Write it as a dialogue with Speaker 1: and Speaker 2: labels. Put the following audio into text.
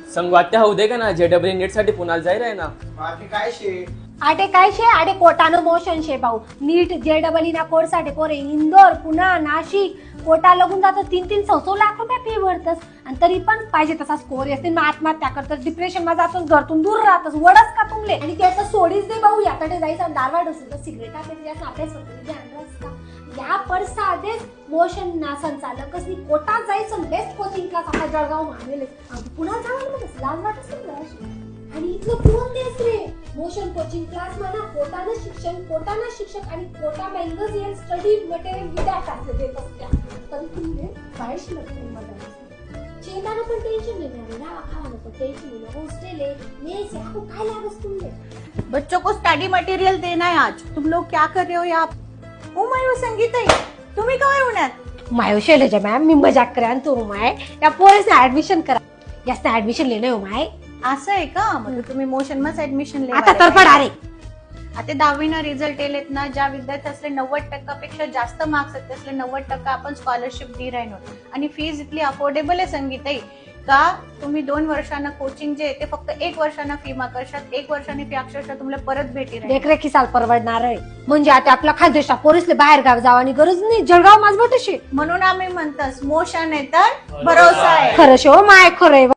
Speaker 1: संगवात्या होऊ दे का ना JEE नीट साठी पुण्याला जाईल आहे ना
Speaker 2: बाकी काय शे
Speaker 3: आटे काय शे आटे कोटानो मोशन शे भाऊ नीट JEE ना कोर्स साठी पोरे इंदोर पुणे नाशिक कोटा लागून जातो 3-3 लाख रुपये फी भरतस आणि तरी पण पाहिजे तसा स्कोर येते आत्महत्या करतस डिप्रेशन मध्ये जातोस घरतून दूर राहतस वडच का तुमले आणि त्याचं सोडीच दे भाऊ याकडे जायचं दारवाड असतो सिगरेटा पेट जास्त आपल्या स्वतःचे अंदाज का या परसा आधीच मोशन ना संचालकच नी कोटा जायचं बेस्ट कोचिंग क्लास आपल्या जळगाव मानले पुन्हा जावं मग लाज वाटत नाही आणि इथलं कोण देस रे मोशन कोचिंग क्लास म्हणा कोटानं शिक्षक आणि Kota magazine study material without असं देत असत्या तरी तुम्ही बाहेर शिकत चेताना पण टेंशन नाही ना खावानं पण टेंशन नहीं हॉस्टल है मेस है आपको काय लागस तुमने
Speaker 4: बच्चों को स्टडी मटेरियल देना है आज तुम लोग क्या कर रहे हो यहाँ ओ माय संगीताई तुम्ही काय होणार
Speaker 3: मायो शैलजा मॅम मी मजाक करा तो माय या पोरेसने ऍडमिशन करा जास्त ऍडमिशन लेणे हो माय
Speaker 4: असं आहे का म्हणजे तुम्ही मोशन मध्ये ऍडमिशन
Speaker 3: आता तर पडा रे
Speaker 4: आता 10वी ना रिझल्ट येलेत ना ज्या विद्यार्थ्यासले 90% पेक्षा जास्त मार्क्स आहेत त्यासले 90% आपण स्कॉलरशिप दी राहिनो आणि फीज इतली अफोर्डेबल आहे संगीताई का तुम्ही 2 वर्षांना कोचिंग जे ते फक्त 1 वर्षांना फी माकर्षात 1 वर्षांनी फी अक्षरशः तुम्हाला परत भेटी राहील
Speaker 3: देखरेखी साल परवडणार आहे म्हणजे आता आपला खानदेशा पोरीसले बाहेर गाव जावानी गरज नाही जळगाव माझ बटशी
Speaker 4: म्हणून आम्ही म्हणतस मोशन आहे तर भरोसा आहे
Speaker 3: खरं शो माय खरं